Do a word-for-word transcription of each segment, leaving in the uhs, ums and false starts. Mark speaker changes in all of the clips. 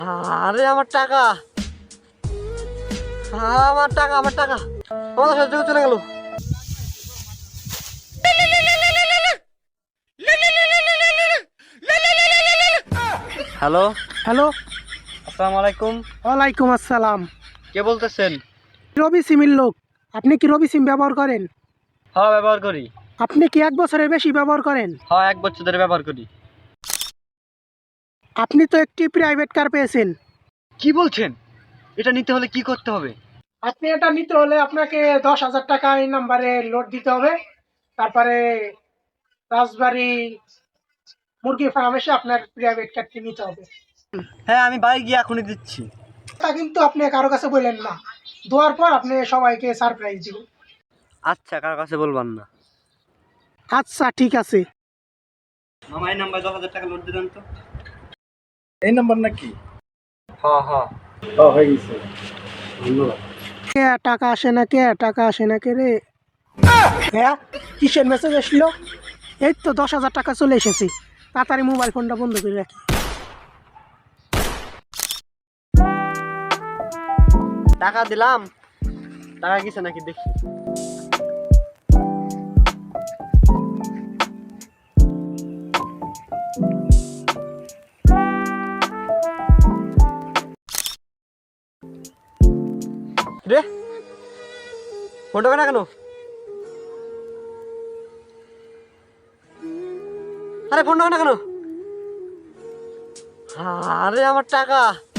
Speaker 1: আরে আমার টাকা, আমার টাকা, আমার টাকা আমার সাথে চলে গেল। হ্যালো
Speaker 2: হ্যালো,
Speaker 1: আসসালামু আলাইকুম।
Speaker 2: ওয়ালাইকুম আসসালাম।
Speaker 1: কে বলতেছেন?
Speaker 2: রবি সিমের লোক। আপনি কি রবি সিম ব্যবহার করেন?
Speaker 1: হ্যাঁ ব্যবহার করি।
Speaker 2: আপনি কি এক বছরের বেশি ব্যবহার করেন?
Speaker 1: হ্যাঁ এক বছর ধরে ব্যবহার করি।
Speaker 2: আপনি তো একটি প্রাইভেট কার পেয়েছেন।
Speaker 1: কি বলছেন? এটা নিতে হলে কি করতে হবে?
Speaker 2: আপনি এটা নিতে হলে আপনাকে দশ হাজার টাকা এই নাম্বারে লোড দিতে হবে। তারপরে রাজবাড়ি মুরগি ফার্ম এসে আপনার প্রাইভেট কারটি নিতে হবে।
Speaker 1: হ্যাঁ আমি বাইরে গিয়ে এখনই দিচ্ছি।
Speaker 2: তা কিন্তু আপনি কারো কাছে বললেন না, দেওয়ার পর আপনি সবাইকে সারপ্রাইজ দিবেন।
Speaker 1: আচ্ছা কার কাছে বলবেন না।
Speaker 2: আচ্ছা ঠিক আছে।
Speaker 1: মামা এই নাম্বার দশ হাজার টাকা লোড দিলেন তো।
Speaker 3: এই নাম্বার নাকি?
Speaker 1: হ্যাঁ হ্যাঁ
Speaker 3: ও হয়ে গেছে, ধন্যবাদ।
Speaker 2: কে টাকা আসে না, কে টাকা আসে না কে রে? হ্যাঁ, কিসের মেসেজ আসলো? এই তো দশ হাজার টাকা চলে এসেছে। তাড়াতাড়ি মোবাইল ফোনটা বন্ধ করে রাখি।
Speaker 1: টাকা দিলাম, টাকা গেছে নাকি দেখি। রে ফোন ঢোকে না কেন? আরে ফোন ঢোকে না কেন? আরে আমার টাকা,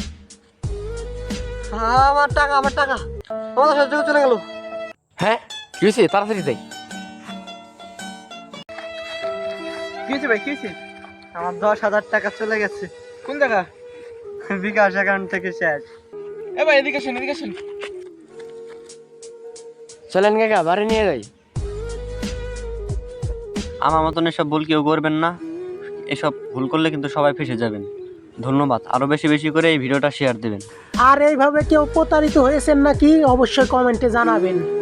Speaker 1: আমার টাকা, আমার টাকা আমার সাথে চলে গেল।
Speaker 4: হ্যাঁ কি হয়েছে? তাড়াতাড়ি যাই।
Speaker 3: কি হয়েছে ভাই, কি হয়েছে?
Speaker 1: আমার দশ হাজার টাকা চলে গেছে।
Speaker 3: কোন জায়গা?
Speaker 1: বিকাশ অ্যাকাউন্ট থেকে শেষ।
Speaker 3: এ ভাই এদিকে আসেন, এদিকে আসেন।
Speaker 4: চলেন কাকা বাড়ি নিয়ে যাই।
Speaker 1: আমার মতন এসব ভুল কেউ করবেন না। এসব ভুল করলে কিন্তু সবাই ফেসে যাবেন। ধন্যবাদ। আরো বেশি বেশি করে এই ভিডিওটা শেয়ার দেবেন।
Speaker 2: আর এইভাবে কেউ প্রতারিত হয়েছেন নাকি অবশ্যই কমেন্টে জানাবেন।